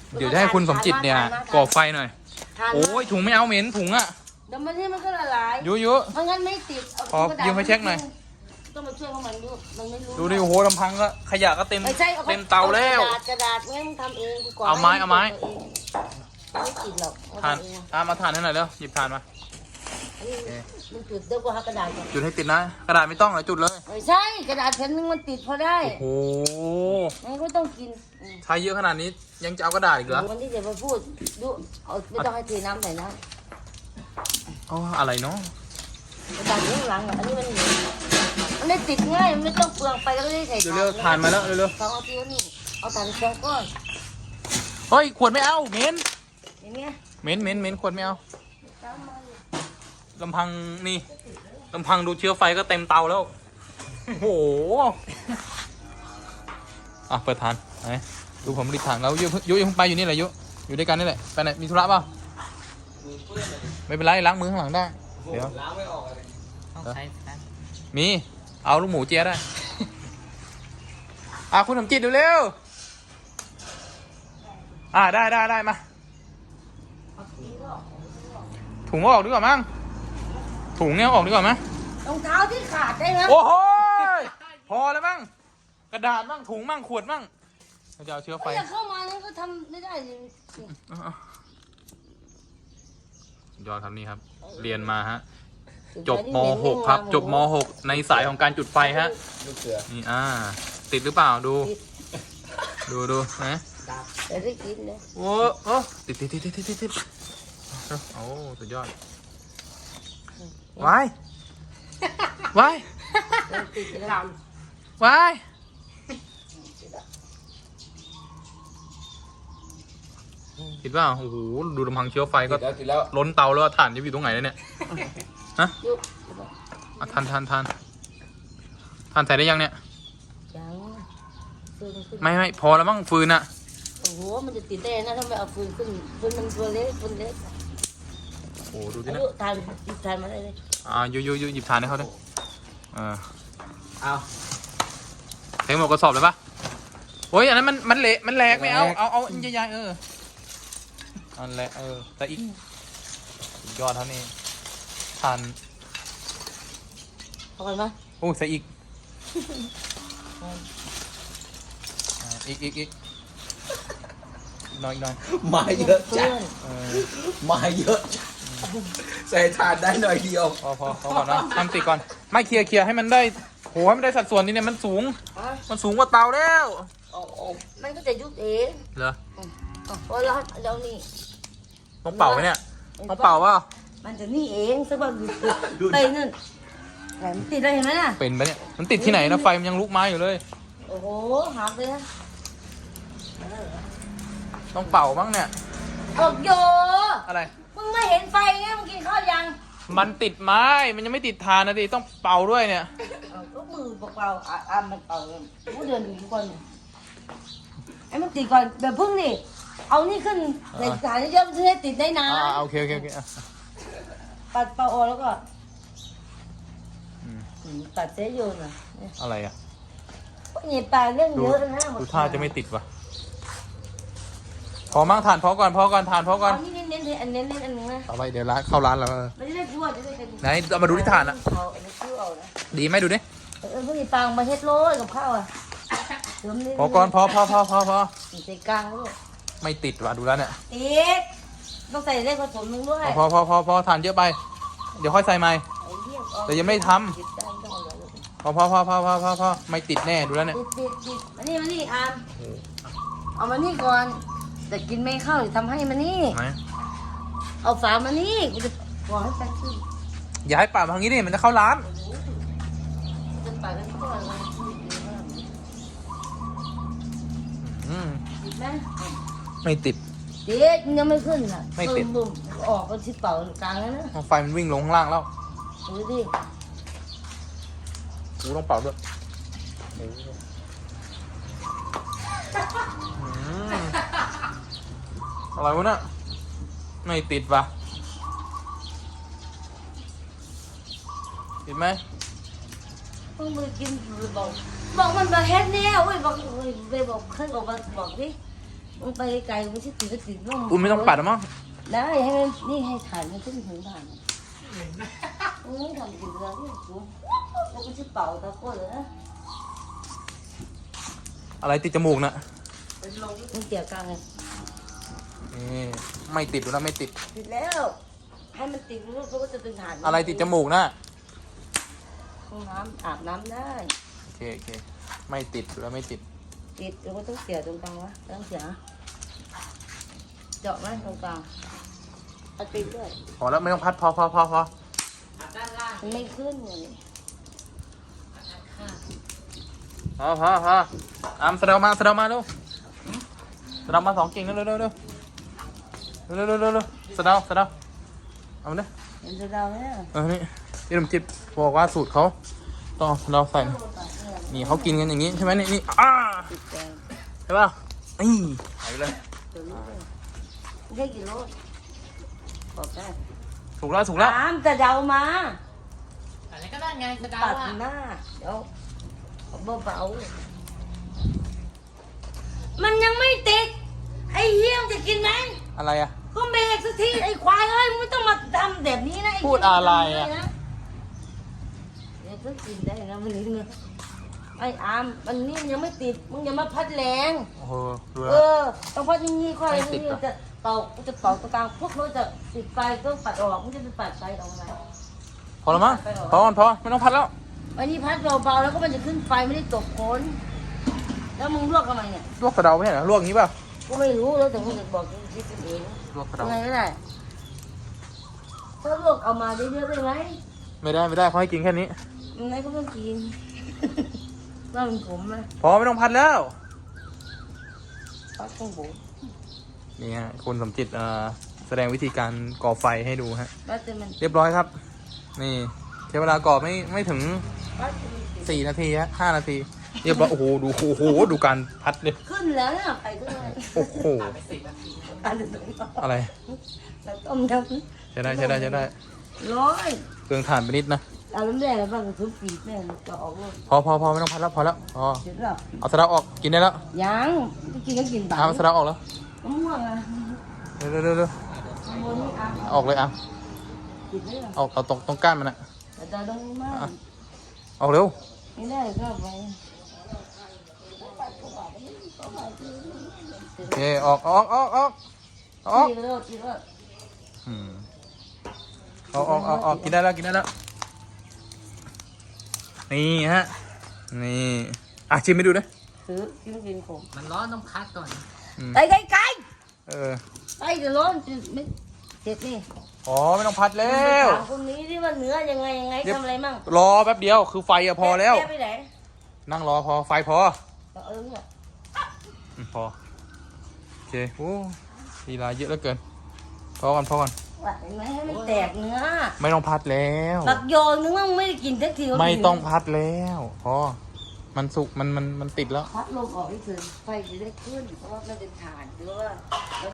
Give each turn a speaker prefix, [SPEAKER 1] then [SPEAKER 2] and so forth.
[SPEAKER 1] เดี๋ยวจะให้คุณสมจิตเนี่ยก่อไฟหน่อยโอ้ยถุงไม่เอาเหม็นถุงอ่ะ
[SPEAKER 2] เดี๋ยวมันก็ละลาย
[SPEAKER 1] ยุ
[SPEAKER 2] เพราะงั้นไม่ติด
[SPEAKER 1] ขอยืมไปเช็คหน่อย
[SPEAKER 2] ต้องมาช่วยมันดูมันไม่รู้
[SPEAKER 1] ดูดิโอ้โหลำพังก็ขยะก็เต็มเตาแล้ว
[SPEAKER 2] กระดาษงั้นมึงทำเองกูก่อน
[SPEAKER 1] เอาไม้
[SPEAKER 2] ไม่ติดหรอก
[SPEAKER 1] ทานมาทานให้หน่อยเร็วหยิบทานมา
[SPEAKER 2] มึงจุดเดี๋ยวกูหากระดาษก่อน
[SPEAKER 1] จุดให้ติดนะกระดาษไม่ต้องเลยจุดเลย
[SPEAKER 2] ไม่ใช่กระดาษแผ่นนึงมันติดพอได้
[SPEAKER 1] โอ้โห
[SPEAKER 2] งั้นก็ต้องกิน
[SPEAKER 1] ใช้เยอะขนาดนี้ยังจะเอากระดาษอีกเหรอ
[SPEAKER 2] วันที่จะมาพูดดูไม่ต้องให้เทน้ำใส่น้
[SPEAKER 1] ำอ๋ออะไรเนาะ
[SPEAKER 2] กระดาษข้างหลังอันนี้มันไม่ติดง่ายมันไม่ต้องเปลืองไปแล้วก็ได้ใส่
[SPEAKER 1] เร็วๆทานมาแล้วเร็ว
[SPEAKER 2] ๆ2 นาทีนี่เอาทานสองก้อน
[SPEAKER 1] เฮ้ยขวดไม่เอาเหม็น
[SPEAKER 2] อย่างเงี้ย
[SPEAKER 1] เหม็นขวดไม่เอาลำพังนี่ลำพังดูเชื้อไฟก็เต็มเตาแล้วโอ้โหอ่ะเปิดทานไหนดูผมรีบทานแล้วยุยังไปอยู่นี่แหละอยู่ด้วยกันนี่แหละไปไหนมีธุระเปล่าไม่เป็นไรล้างมือข้างหลังได้เดี๋ยวล้างไม่ออกเลยมีเอาลูกหมูเจี๊ยได้คุณสมจิตเร็วได้มาถุงออกดีกว่ามั้งถุงเนี้ยออกดีกว่ามั้ย
[SPEAKER 2] รองเท้าที่ขาดได้ไหม
[SPEAKER 1] โอ้โหพอแล้วมั้งกระดาษมั้งถุงมั้งขวดมั้งเราจะเอาเชื้อไฟ
[SPEAKER 2] เข้ามานั่นก็ทำไม่ได้
[SPEAKER 1] ยอดครับนี่ครับเรียนมาฮะจบม.6 ครับจบม.6 ในสายของการจุดไฟฮะนี่ติดหรือเปล่าดูนะ
[SPEAKER 2] จะได้กินเลย
[SPEAKER 1] โอ้ติดโอ้สุดยอดวายคิดว่าโอ้โหดูลำพังเชื้อไฟก็ล้นเตาแล้วถ่านจะอยู่ตรงไหนเนี่ยฮะทานใส่ได้ยังเนี่ยไม่พอแล้วมั้งฟืนอะ
[SPEAKER 2] โอ้โหมันจะติดได้นะถ้าไม่เอาฟืนขึ้นฟืนมันตัวเล็ก
[SPEAKER 1] โอ้ดูดินะ
[SPEAKER 2] ทานมาได้เลย
[SPEAKER 1] ยูหยิบทานให้เขาด้วยเอาเทหมดกระสอบเลยปะโอ้ยอันนั้นมันเละมันแหลกไม่เอาใหญ่อันแหละแต่อีกยอดเท่านี้ทาน
[SPEAKER 2] พอกันไหม
[SPEAKER 1] โอ้ใส่อีกอีกน้อย
[SPEAKER 3] มาเยอะจังมาเยอะใส่ทานได้หน่อยเดียว
[SPEAKER 1] พอก่อนนะทำติดก่อนไม่เคลียร์ให้มันได้โหให้มันได้สัดส่วนนี้เนี่ยมันสูงกว่าเตาแล้ว
[SPEAKER 2] มันก็จะยุบเอง
[SPEAKER 1] เหรอ
[SPEAKER 2] พอแล้วนี่
[SPEAKER 1] ต้องเป่าไหมเนี่ยต้องเป่าว่า
[SPEAKER 2] มันจะนี่เองสักวันไปนั่นไหนมันติดอะไรเห็นไหมน่ะ
[SPEAKER 1] เป็นปะเนี่ยมันติดที่ไหนนะไฟมันยังลุกไหม้อยู่เลย
[SPEAKER 2] โอ้โหหักเลยนะ
[SPEAKER 1] ต้องเป่าบ้างเนี่ย
[SPEAKER 2] โย
[SPEAKER 1] อะไร
[SPEAKER 2] มึงไม่เห็นไฟไงมึงกินข้าวยัง
[SPEAKER 1] มันติดไม้มันยังไม่ติดทานนะดิต้องเป่าด้วยเนี่ย
[SPEAKER 2] ก็มือเปล่ามันเป่ากูเดินดูก่อนไอ้มันติดก่อนแบบพึ่งดิเอานี่ขึ้นในสายเยอะๆจะได้ติดได้นาน
[SPEAKER 1] โอเค
[SPEAKER 2] ปัดเป่าออกแล้วก็ปัดเสียโยน
[SPEAKER 1] อะไรอ่ะ
[SPEAKER 2] นี่ปลาเรื่องเยอะนะ
[SPEAKER 1] ดูท่าจะไม่ติดวะพอมั่งทานพอก่อนทานพอก่อน
[SPEAKER 2] นี่เน้นอันนึงนะ
[SPEAKER 1] ต่อไปเดี๋ยวเข้าร้านแล้ว
[SPEAKER 2] ไม่ได้ทั่วจะได้เป็น
[SPEAKER 1] ไหนเอามาดูที่ทานอ่ะดีไหมดูดิ
[SPEAKER 2] พวกนี้ปลามาเฮ็ดโรยกับข้าวอ่ะ
[SPEAKER 1] พอก่อนพอ
[SPEAKER 2] ใส่กลางลูก
[SPEAKER 1] ไม่ติดว่ะดูแล้วเนี่ย
[SPEAKER 2] ติดต้องใส่ได้ผสมนึงด้วย
[SPEAKER 1] พอทานเยอะไปเดี๋ยวค่อยใส่ใหม่แต่ยังไม่ทำพอไม่ติดแน่ดูแล้วเนี่ย
[SPEAKER 2] ติดมานี่อามเอามานี่ก่อนแต่กินไม่เข้าหรือทำให้มานี่เอาฝามานี่กูจะบอกให้ไปขึ้น
[SPEAKER 1] อย่าให้ป่าทางนี้ดิมันจะเข้าร้าน
[SPEAKER 2] จะป่ากันก่อนติดไหม
[SPEAKER 1] ไม่ติด
[SPEAKER 2] ยังไม่ขึ้นอ่ะ
[SPEAKER 1] ไม่ติด
[SPEAKER 2] ออกก็ชิบเป่ากลางแล้วนะ
[SPEAKER 1] ไฟมันวิ่งลงข้างล่างแล้ว
[SPEAKER 2] ดูดิ
[SPEAKER 1] กูต้องเป่าด้วยอะไรวะเนี่ยไม่ติดว่ะติดไหม
[SPEAKER 2] มึงไปกินบอกมันมาเฮ็ดแน่เว้ยบอกไปบอกเคยบอกดิมึงไปไกลมึงชิดติดก็ติดร่ม
[SPEAKER 1] อุ้ยไม่ต้องปัดหรอมั้ง
[SPEAKER 2] ได้ให้มันนี่ให้ถ่านมันขึ้นถึงถ่านมึงไม่ทำกินเรื่องที่สูงแล้วก็ชิดเป่าตะโกนเลยนะ
[SPEAKER 1] อะไรติดจมูกน่ะ
[SPEAKER 2] มึงเกี่ยวกันไง
[SPEAKER 1] นี่ไม่ติดดูนะไม่ติด
[SPEAKER 2] ติดแล้วให้มันติดรูปก็จะเป็นถ่าน
[SPEAKER 1] อะไรติดจมูกน่ะ
[SPEAKER 2] ห้องน้ำอาบน้ำได้
[SPEAKER 1] โอเคโอเคไม่ติดดูแล้วไม่ติด
[SPEAKER 2] ติดแล้วก็ต้องเสียตรงกลางวะต้องเสียเจาะไหมตรงกลางเอาติดด้วย
[SPEAKER 1] พอแล้วไม่ต้องพัดพอ
[SPEAKER 2] มันไม่ขึ้นเลย
[SPEAKER 1] พออามสะเดามาเร็วสะเดามา2 กิ่งเร็วสะเดาเอาเนี่ย
[SPEAKER 2] เห็นจะเดาไหมอ่ะ
[SPEAKER 1] นี่พี่ลมจิตบอกว่าสูตรเขาต้องเอาสะเดาใส่นี่เขากินกันอย่างนี้ใช่ไหมนี่
[SPEAKER 2] ติดแดง
[SPEAKER 1] ใช่ป่ะนี่หายไปเลย
[SPEAKER 2] ตัวนี้เลยไม่ได้กี่โลบอกได้
[SPEAKER 1] ถูกแล้ว
[SPEAKER 2] ตามจะเดามา
[SPEAKER 4] อะไรก็ได้ไงสะเดา
[SPEAKER 2] ตัด
[SPEAKER 4] อ่ะ
[SPEAKER 2] หน้าเดี๋ยวเบาๆมันยังไม่ติดไอ้เหี้ยมจะกินไหม
[SPEAKER 1] อะไรอ่ะ
[SPEAKER 2] ก็เบรกสักทีไอ้ควายเอ้ยมึงไม่ต้องมาทำแบบนี้นะไอ้
[SPEAKER 1] พูดอะไรอะ
[SPEAKER 2] เดี๋ยวก็กินได้นะมันนี่ไอ้อามมันนี่มันยังไม่ติดมึงอย่ามาพัดแรง
[SPEAKER 1] โอ้โหดู
[SPEAKER 2] เอ
[SPEAKER 1] แล้ว
[SPEAKER 2] อต้องพัดอย่างนี้ค่อย
[SPEAKER 1] ไม่ติด
[SPEAKER 2] นี่
[SPEAKER 1] เหรอ
[SPEAKER 2] จะเป่ากูจะเป่าตรงกลางพวกเราจะติดไฟต้องปัดออกมึงจะไปปัดไฟออกมา
[SPEAKER 1] พอแล้วมั้งพอไม่ต้องพัดแล้ว
[SPEAKER 2] วันนี้พัดเบาๆแล้วก็มันจะขึ้นไฟไม่ได้ตกโคนแล้วมึงลวกทำไมเนี่ย
[SPEAKER 1] ลวกสะเดาไม่ใช่เหรอลวกอย่างนี้ป่ะ
[SPEAKER 2] กูไม่รู้แล้วแต่มึงจะบอกคิดเอง
[SPEAKER 1] ลวกสะเดา
[SPEAKER 2] ยังไงก็ได้ถ้าลวกเอามาเยอะๆได้ไหม
[SPEAKER 1] ไม่ได้เขาให้กินแค่นี้
[SPEAKER 2] ยังไงก็ต้องกิน ว่าเป็นผมไหม
[SPEAKER 1] พอไม่ต้องพัดแล้ว
[SPEAKER 2] พัดของผม
[SPEAKER 1] นี่ฮะคุณสมจิตแสดงวิธีการก่อไฟให้ดูฮะ
[SPEAKER 2] พัดจะมัน
[SPEAKER 1] เรียบร้อยครับ นี่ใช้เวลาก่อไม่ถึง
[SPEAKER 2] พัดจะมันติด
[SPEAKER 1] 4 นาทีฮะ5 นาที เรียบร้อยโอ้โหดูการพัดเลย
[SPEAKER 2] ขึ้นแล้วเนี่ยไปขึ้นเลย
[SPEAKER 1] โอ้โห
[SPEAKER 2] อันนี้ต้อง
[SPEAKER 1] อะไร
[SPEAKER 2] แล้วต้มย
[SPEAKER 1] ใช้ได้
[SPEAKER 2] ำร้อย
[SPEAKER 1] เครื่องถ่านไปนิดนะ
[SPEAKER 2] เอาน้ำแดงแล้วบ้างทุบปีกแม่งจะออกลูก
[SPEAKER 1] พอไม่ต้องพัดแล้วพอแล้วพอ
[SPEAKER 2] เสร็จแล้ว
[SPEAKER 1] เอาสะเดาออกกินได้แล้ว
[SPEAKER 2] ยังจะกินก็กินไป
[SPEAKER 1] เอาสะเดาออกแล้ว
[SPEAKER 2] มะม่วงอ่ะ
[SPEAKER 1] เร็ว
[SPEAKER 2] โมนี่อ่ะ
[SPEAKER 1] ออกเลยอ่ะ
[SPEAKER 2] กินได้หรอ
[SPEAKER 1] เอาตรงก้านมันนะ
[SPEAKER 2] แต่จะต้องมาก
[SPEAKER 1] ออกเร็ว
[SPEAKER 2] ไม่ได้ก็ไป
[SPEAKER 1] โอเคออก
[SPEAKER 2] กินแล้วกินแล้ว
[SPEAKER 1] อืมออกกินได้แล้วนี่ฮะนี่ชิมให้ดูนะ
[SPEAKER 2] ซื้อกินผม
[SPEAKER 4] มันร้อนต้องพักก่อน
[SPEAKER 2] ไก่ไก่
[SPEAKER 1] เออ
[SPEAKER 2] ไก่จะร้อนไม่เสร็จนี่
[SPEAKER 1] อ๋อไม่ต้องพัดแล้ว
[SPEAKER 2] ถามคนนี้ที่ว่าเนื้อยังไงทำอะไรมั่ง
[SPEAKER 1] รอแป๊บเดียวคือไฟอะพอแล้ว
[SPEAKER 2] แกไปไหน
[SPEAKER 1] นั่งรอพอไฟพอ
[SPEAKER 2] เนี่ย
[SPEAKER 1] พอโอเคโอ้ลีลาเยอะเหลือเกินพอก่อน
[SPEAKER 2] ว่าเห็นไหมให้มันแตกเนื้อ
[SPEAKER 1] ไม่ต้องพัดแล้ว
[SPEAKER 2] บักโยนนึกว่ามึงไม่ได้กินสักที
[SPEAKER 1] ไม่ต้องพัดแล้วพอมันสุกมันติดแล้ว
[SPEAKER 2] พัดลมออกให้ถึงไฟจะได้ขึ้นเพราะว่ามันเป็นถ่านหรือว่า